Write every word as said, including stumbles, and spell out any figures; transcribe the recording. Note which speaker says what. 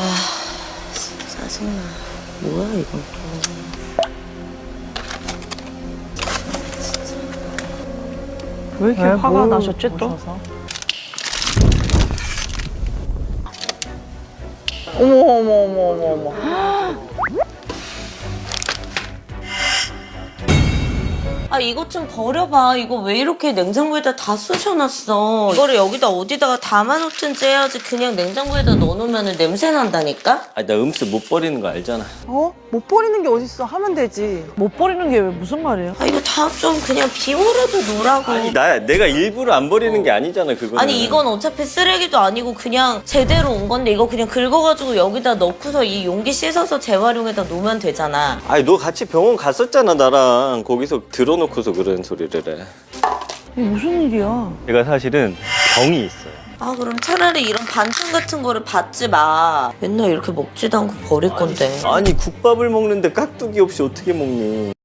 Speaker 1: 아, 짜증나. 뭐야 이건 또.
Speaker 2: 왜 이렇게
Speaker 3: 왜,
Speaker 2: 화가
Speaker 3: 뭘
Speaker 2: 나셨지 또?
Speaker 3: 보셔서? 어머 어머 어머 어머 어머.
Speaker 1: 아 이것 좀 버려봐. 이거 왜 이렇게 냉장고에다 다 쑤셔놨어. 이거를 여기다 어디다가 담아놓든지 해야지. 그냥 냉장고에다 넣어놓으면 냄새 난다니까?
Speaker 4: 아니 나 음식 못 버리는 거 알잖아.
Speaker 3: 어? 못 버리는 게 어딨어? 하면 되지.
Speaker 2: 못 버리는 게 왜 무슨 말이에요?
Speaker 1: 아 이거 다 좀 그냥 비워라도 놓으라고.
Speaker 4: 아니 나 내가 일부러 안 버리는 게 아니잖아 그거는.
Speaker 1: 아니 이건 어차피 쓰레기도 아니고 그냥 제대로 온 건데 이거 그냥 긁어가지고 여기다 넣고서 이 용기 씻어서 재활용에다 놓으면 되잖아.
Speaker 4: 아니 너 같이 병원 갔었잖아 나랑. 거기서 들어놓고서 그런 소리를 해.
Speaker 2: 이게 무슨 일이야?
Speaker 4: 제가 사실은 병이 있어요.
Speaker 1: 아 그럼 차라리 이런 반찬 같은 거를 받지 마. 맨날 이렇게 먹지도 않고 버릴 건데.
Speaker 4: 아니 국밥을 먹는데 깍두기 없이 어떻게 먹니?